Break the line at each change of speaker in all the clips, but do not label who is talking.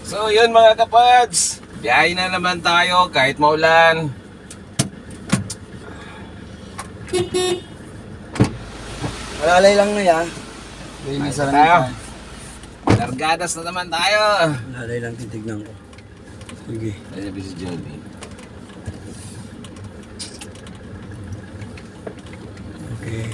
So yun mga kapads, biyahe na naman tayo kahit maulan.
Malalay lang na yan.
Ayos na tayo. Largadas na naman tayo.
Malalay lang titignan ko. Sige.
Ay sabi si Johnny.
Okay.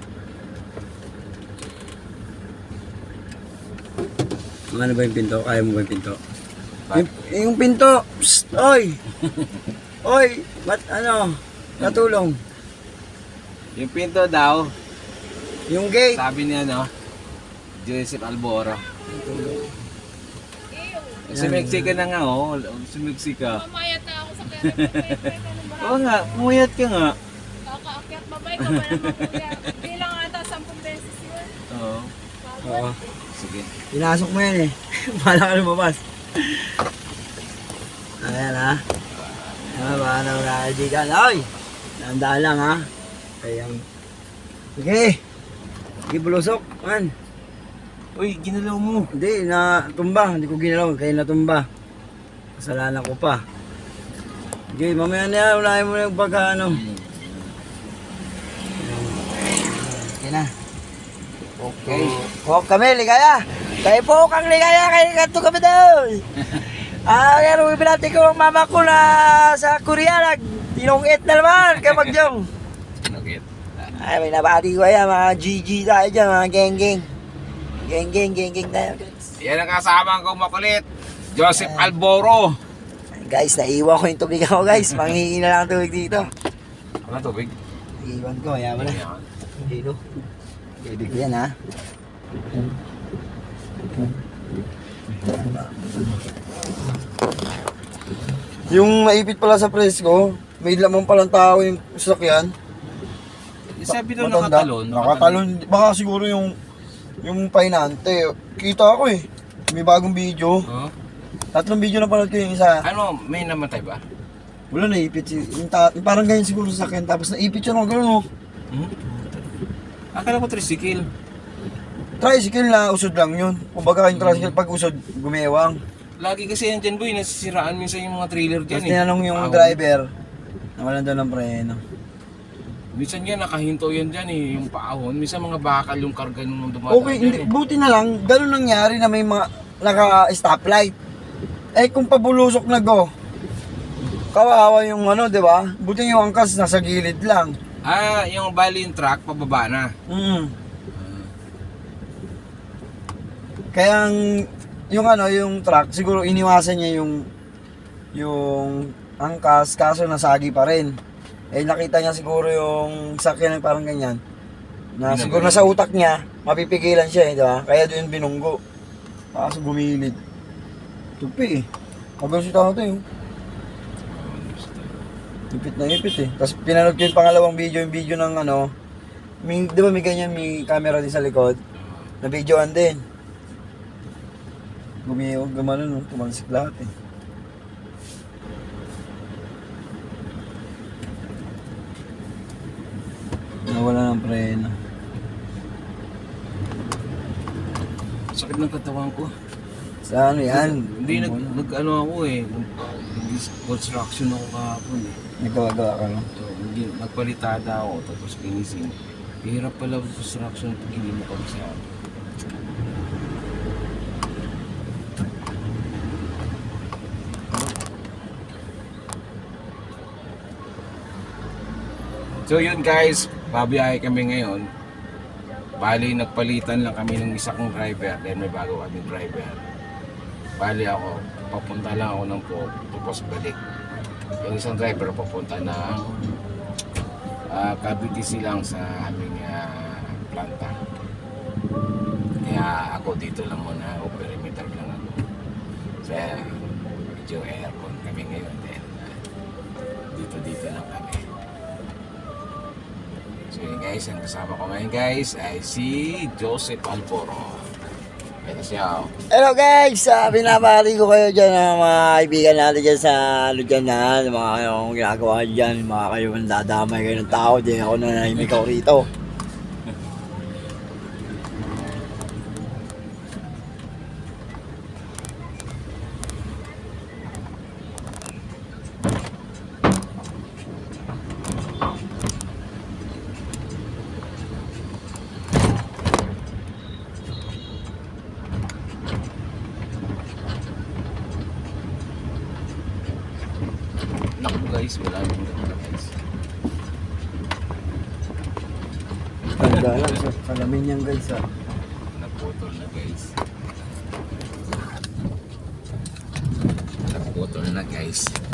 Ano ba yung pinto? Kaya mo ba yung pinto? Yung pinto! Psst! Oy! Oy! Ba't ano? Natulong?
Yung pinto daw,
Yung gate!
sabi niya no, Joseph Alboro. Sumiksik ka na nga oh, sumiksik ka.
Mamayat na ako sa kaya.
Oo nga, pumuyat ka nga.
Kakaakyat, babay ka ba naman kuya? Hindi lang ata 10 beses yun.
Oo,
Oo.
sige.
Pinasok mo yan eh. Bala ka lumabas. Ayan ha. Baka na mga kaibigan. Oy! Tandaan lang ha. Ayan. Sige. Sige bulusok. Man.
Uy, ginalaw mo.
Hindi, natumba. Hindi ko ginalaw. Kaya natumba. Kasalanan ko pa. Sige, mamaya na yan. Unahin mo na yung pagka ano. Okay na.
Okay.
Po kami, ligaya. Kayo po kang ligaya. Kayo kanto kami daw. Kaya binati ko ang mama ko na sa Korea. Tinungit na naman. Kaya magjong.
Okay.
Ay, may nabati ko yan. Mga GG tayo dyan. Mga geng-geng. Geng-geng tayo.
Yan ang kasama ko makulit, Joseph Alboro.
Guys, naiwan ko yung tubig ako guys. Manghihingi na lang ang tubig dito.
Ano tubig?
Iwan ko, kaya mo na. Dito. Tubig ko yan ha. Yung maipit pala sa presko, may lamang palang tao yung sasakyan.
Sabi daw
Matanda.
nakatalon.
Nakatalon. Baka siguro yung painante. Kita ako eh. May bagong video.
Huh?
3 video na panood ko yung isa.
Ano, may namatay ba?
Wala naipit. Yung parang ganyan siguro sa akin. Tapos naipit yun ako. Gano'n oh.
Hmm? Akala ko tricycle.
Tricycle na usod lang yun. Kumbaga yung tricycle pag usod, gumewang.
Lagi kasi yan dyan boy, nasisiraan minsan yung mga trailer dyan
Tapos tinanong yung
Ahon.
driver. Nawalan daw ng preno.
Minsan yan, nakahinto yan dyan eh, yung paahon. Minsan mga bakal yung karga nung dumadaan
Okay,
dyan
hindi,
eh.
buti na lang. Gano'n nangyari na may mga naka-stoplight. Eh kung pabulusok na go, kawawa yung ano, di ba? Buti yung angkas nasa gilid lang.
Ah, yung bali yung truck, pababa na.
Kaya yung ano, yung truck, siguro iniwasan niya yung angkas, kaso nasagi pa rin. Eh nakita niya siguro yung sakyan na parang ganyan. Na siguro nasa utak niya, mapipigilan siya eh, di ba? Kaya doon binunggo. Kaso gumilid. Tupi eh. Magal si tao to eh. Ipit na ipit eh. Tapos pinanood ko yung pangalawang video, yung video ng ano, di ba may ganyan, may camera din sa likod. Na videoan din. Gumano no, tumansik lahat eh. Nawala ng preno.
Sakit ng katawan ko.
Sa ano yan?
Hindi nag-ano ako eh. Construction ako kahapon eh.
Nagkawagawa ka no?
So, hindi, nagpalitada ako tapos ginising. Hirap pala construction pag hindi mo pag-sa. So yun guys, babiyahe kami ngayon. Bali nagpalitan lang kami ng isa kong driver, then may bago kaming driver. Bali ako, papunta lang ako ng po, tapos balik. Yung isang driver papunta ng Cavite lang sa aming planta. Kaya ako dito lang muna, o perimeter lang ako. So medyo aircon kami ngayon, then dito lang kami. So yun guys, ang kasama ko ngayon guys ay si Joseph Alboro. Ito siya.
Hello guys! Binabati ko kayo dyan mga kaibigan natin dyan sa Ludyanan. Mga kayong ginagawa dyan, mga kayong dadamay kayo ng tao. Di ako nanahimik ako rito.
takbo guys, wala nang ganda guys.
Ganda lang sa salamin niyan guys ah.
Naputol na guys. Naputol na guys.